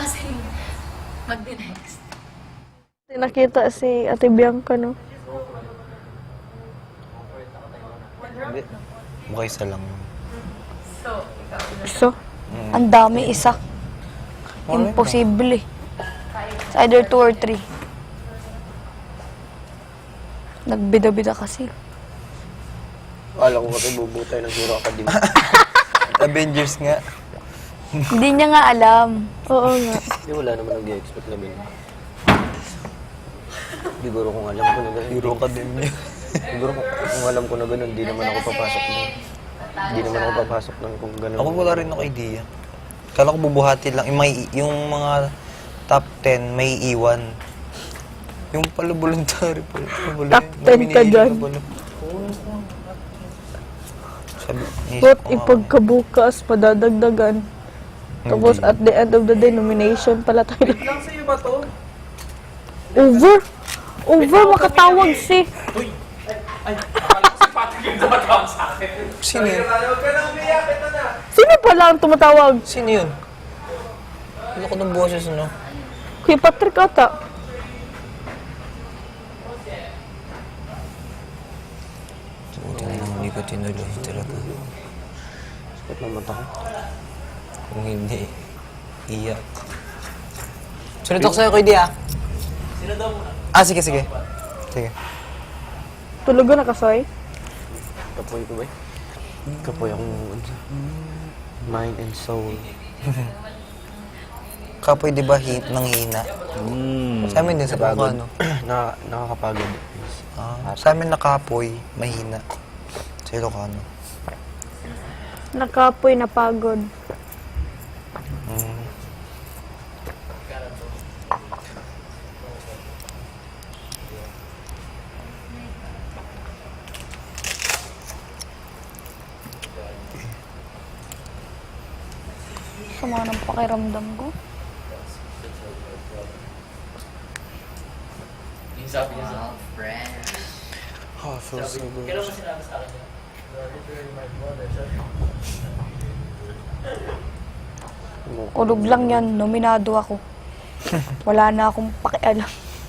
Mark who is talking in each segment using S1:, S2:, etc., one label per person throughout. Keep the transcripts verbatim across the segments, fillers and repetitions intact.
S1: kasing mag-next.
S2: Nakita si Ate Bianca, no?
S3: Hindi. Mukha isa lang.
S1: So, ikaw.
S2: So,
S4: Ang dami, isa. Imposible eh. It's either two or three. Nagbida-bida kasi.
S3: Akala ko kasi bubutay ng Hero Academy.
S5: Avengers nga.
S4: Hindi niya nga alam.
S2: oo nga.
S3: Hindi, wala naman nag-expect na bin. Siguro kung alam ko na gano'n.
S5: Hero Academia.
S3: Siguro kung, kung alam ko na gano'n, hindi naman ako papasok doon. Hindi naman ako papasok doon kung gano'n.
S5: Ako wala rin ako idea. Kala ko bubuhati lang. Yung, may, yung mga top ten may iwan. Yung pala voluntary pala. Pala
S2: Top ten ka dyan.
S5: Sabi,
S2: But ipagkabukas, padadagdagan. Tapos at the end of the day, nomination pala tayo.
S6: Lang sa'yo ba to?
S2: Over! Over, makatawag si...
S6: Ay, akala ko si Patrick yung tumatawag sa akin.
S5: Sino yun?
S6: Huwag ka nang umiyak, ito na.
S2: Sino pala ang tumatawag?
S5: Sino yun? Ano ko ng boses, ano?
S2: Kuya Patrick ata.
S5: Buti na lang hindi ko tinuloy talaga.
S3: Sakit ng mata ko.
S5: Kung hindi, iyak. Sunod ako sa'yo, Kuya Di, ah.
S6: Sino daw muna?
S5: Ah, sige, sige. Sige.
S2: Tulugan na kasoy.
S3: Kapoy ko ba? Kapoy akong ano, mind and soul.
S5: Kapoy, di ba, hit ng hina?
S3: Mm.
S5: Sa amin din sa
S3: Pagod.
S5: Bukano.
S3: na, nakakapagod.
S5: Ah, sa amin nakapoy, mahina. Sa Ilocano.
S2: Nakapoy, napagod.
S5: Mm.
S4: Sama ng pakiramdam ko.
S6: Yung sabi niya sa akin.
S1: Friends.
S5: Oh, feels so good.
S6: Kailan mo sinabi sa akin yun?
S4: Ulog lang yan. Nominado ako. Wala na akong pakialam.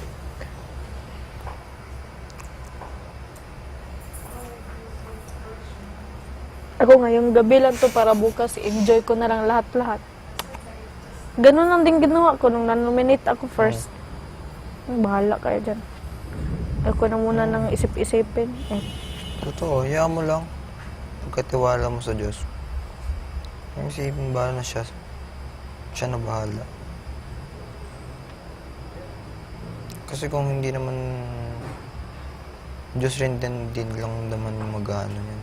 S2: Ako ngayong gabi lang to para bukas enjoy ko na lang lahat-lahat. Ganun lang din ginawa ko nung nanominate ako first. Hmm. Bahala kayo dyan. Ako na muna nang isip-isipin. Eh,
S5: Totoo, hayaan mo lang. Pagkatiwala mo sa Diyos. Yung isipin ba na siya? Siya na bahala. Kasi kung hindi naman Diyos rin din, din lang naman mag-ano yun.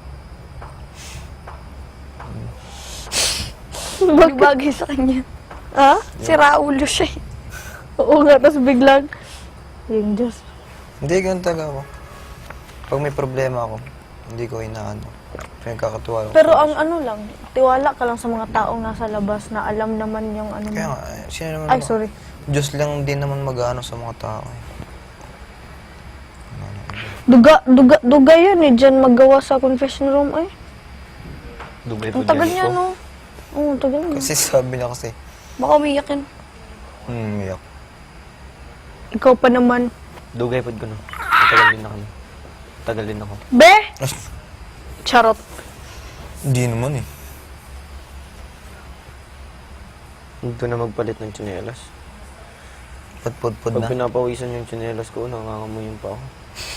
S4: Hindi bagay sa kanya.
S2: ha?
S4: Si Raulo siya eh.
S2: Oo nga, tapos biglang, yung Diyos.
S5: Hindi, ganun talaga ako. Pag may problema ako, hindi ko inaano. Pinagkakatiwala ko.
S2: Pero
S5: sa
S2: ang
S5: Diyos.
S2: ano lang, tiwala ka lang sa mga taong nasa labas na alam naman yung ano
S5: Kaya
S2: mo.
S5: nga, eh, sino naman
S2: Ay,
S5: ba?
S2: sorry.
S5: Diyos lang din naman mag-ano sa mga tao eh.
S2: Duga, duga, duga yun eh, dyan magawa sa confession room ay.
S3: Dugay po
S2: Ang tagal
S3: dyan
S2: niya,
S3: ko.
S2: no? Oo, ang tagal niya.
S5: Kasi sabi niya kasi,
S4: Baka umiyak yun.
S5: hmm, umiyak.
S2: Ikaw pa naman.
S3: Dugay po ko no. Tagal din ako. Tagal din ako.
S2: Be! Charot.
S5: Hindi naman eh.
S3: Hindi na magpalit ng tsinelas.
S5: Pud-pud-pud
S3: Pag
S5: na.
S3: pinapawisan yung tsinelas ko, nangangamoy pa ako.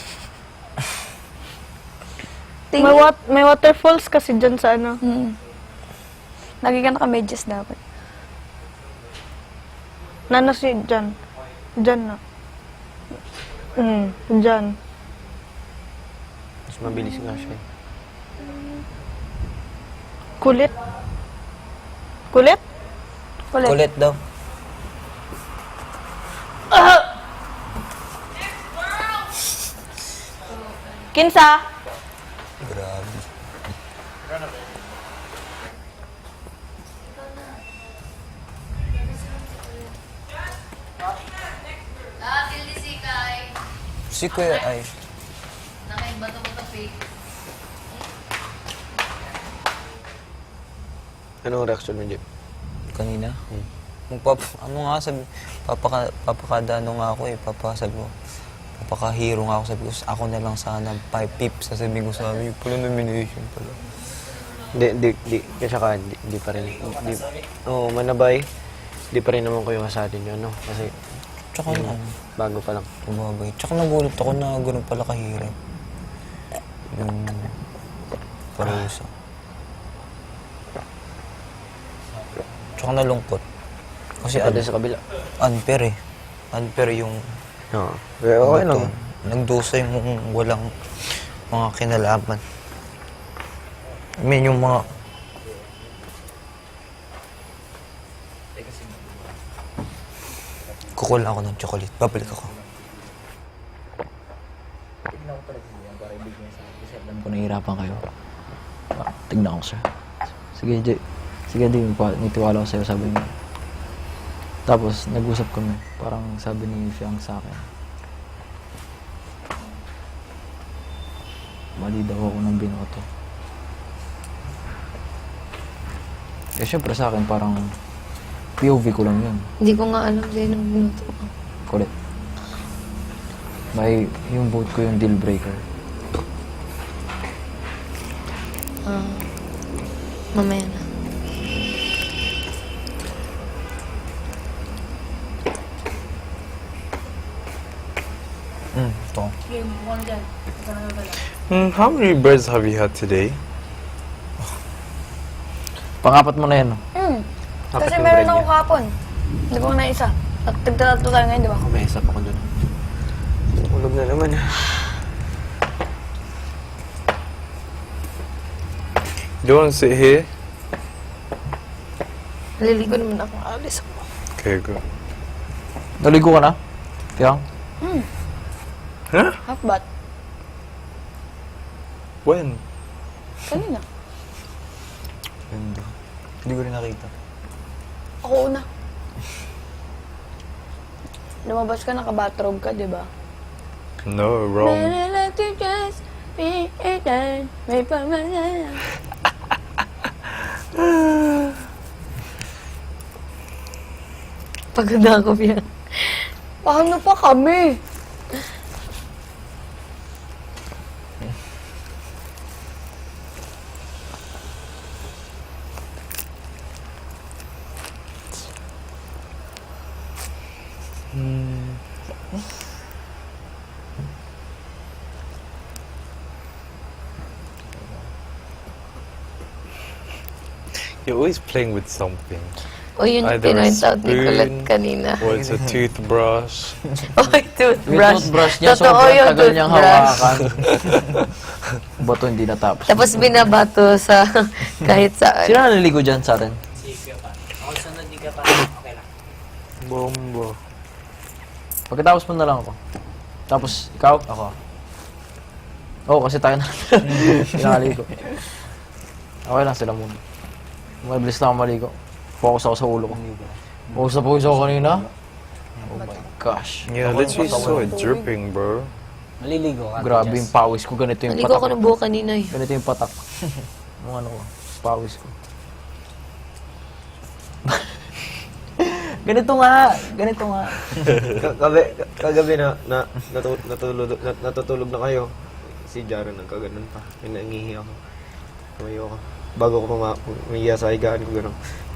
S2: May, wat, may waterfalls kasi dyan sa ano.
S4: Hmm. Lagi ka naka-medyas dapat.
S2: Nana si dyan. Dyan na. Hmm, dyan.
S3: Mas mabilis nga siya. eh.
S2: Kulit. Kulit?
S4: Kulit.
S5: Kulit daw.
S2: Kinsa?
S5: Grabe.
S1: Dahil ni si Kai.
S5: Si Kuya ay,
S1: Nakaiba to ko fake.
S3: Anong reaction mo, Jeep?
S5: kanina. magpap, ano nga sabi, papaka, papakada ano nga ako eh, papasabi ko, papaka-hero nga ako, sabi ko, ako na lang sana, five pips, sasabihin ko sa amin, yung pala nomination pala.
S3: Di, di, di, kasi ka, di, di pa rin. Di, oo, manabay. Di pa rin naman kayo kasalin yun, no? Kasi,
S5: Tsaka
S3: yun,
S5: ano,
S3: bago pa lang.
S5: bumabay. Tsaka nagulat ako na gano'n pala kahirap. Yung parusa. Tsaka nalungkot. Kasi
S3: Pati
S5: ano,
S3: sa kabila.
S5: unfair eh. Unfair yung
S3: Oo. Pero okay lang.
S5: bato. Nagdusa yung walang mga kinalaman. I mean, yung mga... Kukul ako ng chocolate. Babalik ako.
S7: Alam ko nahihirapan kayo. Ah, tignan ko, sir. Sige, Jay. Sige, di. Nitiwala ko sa'yo, sabi niya. Tapos, nag-usap kami. Parang sabi ni Fiang sa akin. Mali daw ako ng binoto. Eh, syempre sa akin, parang P O V ko lang yun.
S4: Hindi ko nga alam din ang binuto ko.
S7: Kulit. May, yung vote ko yung deal breaker.
S4: Ah, mamaya na.
S5: Hmm, ito.
S1: Game, buwan dyan. Ito na nga pala.
S6: Hmm, how many birds have you had today?
S7: Pangapat mo na yan, no?
S4: Hmm.
S3: Apat
S4: Kasi
S3: yung
S4: meron
S3: bread
S4: ako
S3: niya.
S4: kahapon. Hindi ko na isa. At tigtatlo tayo ngayon, di ba?
S3: May isa pa ko dun. Ulog na naman.
S6: Do you want to sit here?
S4: Naliligo naman ako. Alis ako.
S6: Okay, go.
S7: Naligo ka na? Fiang?
S6: Huh?
S4: Half bat.
S6: When?
S4: Kanina.
S5: Ganda. Hindi ko rin nakita.
S4: Ako una. Lumabas ka, naka-bathrobe ka, di ba?
S6: No, wrong.
S4: Let you just be a dad. May pamana. Pagod na ako, Fiang. Paano pa kami?
S6: You're always playing with something.
S4: O yun yung
S6: Either a
S4: pinoint out ni Colette
S6: spoon,
S4: kanina.
S6: or it's a toothbrush.
S4: Oy,
S7: Yung
S4: toothbrush.
S7: toothbrush niya,
S4: Totoo
S7: sobrang
S4: yung
S7: tagal niyang
S4: toothbrush.
S7: hawakan. Bato hindi natapos.
S4: Tapos binabato sa kahit saan.
S7: Sino naliligo dyan sa atin?
S3: Bombo.
S7: Pagkatapos mo na lang ako. Tapos, ikaw? Ako. Oo, kasi tayo na. Pinakaligo. Okay lang sila muna. Mabilis na ako maligo. Focus ako sa ulo ko. Focus na focus ako kanina. Oh my gosh.
S6: Yeah, literally saw it dripping, bro.
S7: Grabe yung pawis ko. Ganito yung
S4: Naligo ako
S7: patak.
S4: ng buhok kanina eh.
S7: Ganito yung patak. Yung ano ko. Pawis ko. Ganito nga. Ganito nga.
S3: Kagabi, kagabi na, na natu, natulog, nat, natutulog na kayo. Si Jaro nagkaganon pa. May nangihi ako. Tumayo ako. Bago ko puma, umiya sa higaan ko gano'n.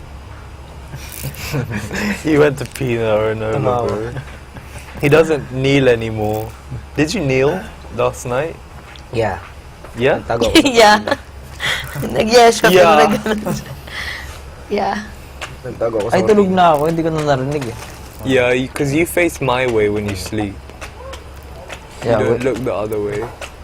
S6: He went to pee now or no,
S3: Tumawa.
S6: bro. He doesn't kneel anymore. Did you kneel last night?
S3: Yeah.
S6: Yeah?
S3: Tago ako.
S4: Yeah. Nag-yes siya.
S6: Yeah.
S4: pero nag-ganon siya. Yeah.
S3: Nagtago ako sa
S7: Ay, tulog na ako. Hindi ko na narinig eh.
S6: Yeah, because you face my way when you sleep.
S7: Yeah,
S6: you don't
S7: wait.
S6: look the other way.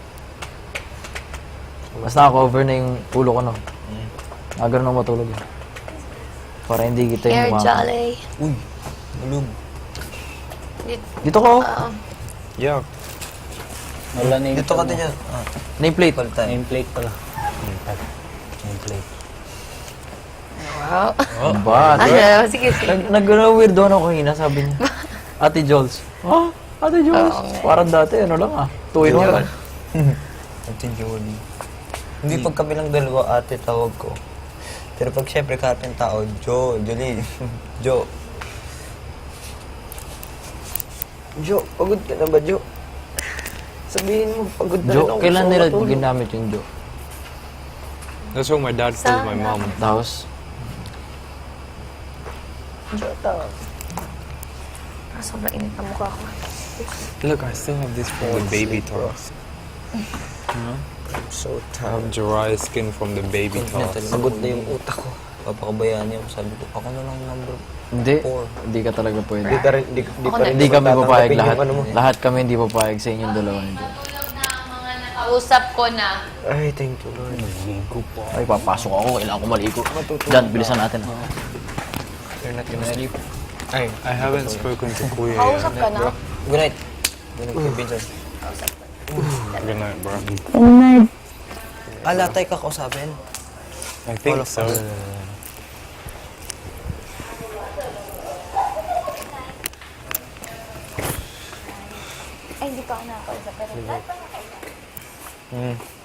S7: Mas naka-cover na yung ulo ko, no? Nagano'n ako matulog eh. Para hindi kita
S4: Air
S7: yung mga...
S4: Jolly.
S5: Uy, malug.
S7: Dito ko.
S4: Oo.
S6: Yeah.
S8: Wala na yung
S5: Dito ka din yan. Ah,
S7: Nameplate.
S5: palitan.
S8: nameplate pala. Nameplate.
S4: Wow.
S7: Ano ba?
S4: Ano? Sige, sige.
S7: Nag, nag-weirdo ako kanina, sabi niya. Ate Jules. Ha? Ate Jules?
S4: Oo nga.
S7: Parang dati, ano lang ah. Two in one.
S5: Ate Jolie. Hindi pag kami lang dalawa ate tawag ko. Pero pag syempre kahit yung tao, Jo, Jolie, Jo.
S3: Jo, pagod ka na ba, Jo? Sabihin mo, pagod na rin
S7: Jo,
S3: ako.
S7: kailan
S3: Gusto ko
S7: nila
S3: matulog.
S7: ginamit yung Jo?
S6: That's what my dad told my mom.
S7: Tapos,
S2: Jo, tawag. Ah, sobrang init na mukha ko.
S6: Look, I still have this from the baby toss.
S3: I'm so
S6: I have
S3: tired.
S6: dry skin from the baby toss.
S5: Pagod na yung utak ko. Papakabayaan niyo. Sabi ko, ako na lang number
S7: hindi,
S5: four.
S7: hindi ka talaga pwede.
S3: Di, ka rin, di, di pa rin
S7: Hindi kami
S3: tatanggapin
S7: papayag
S3: yung
S7: lahat.
S3: ano mo.
S7: Lahat kami hindi papayag sa inyong dalawa ni Jo.
S1: Kausap ko na.
S3: Ay, thank you, Lord.
S7: Ay, papasok ako. Kailangan ko maligo. Jan, bilisan natin.
S3: You're not gonna sleep.
S6: Hey, I haven't spoken to Kuya
S1: Kausap
S6: yet.
S1: ka na?
S5: Good night. Good night, kay Vincent.
S6: Good night, bro.
S5: Ah, lahat tayo kakausapin.
S6: I think so.
S1: Ay, hindi pa ako nakakausap. Pero
S6: Mm.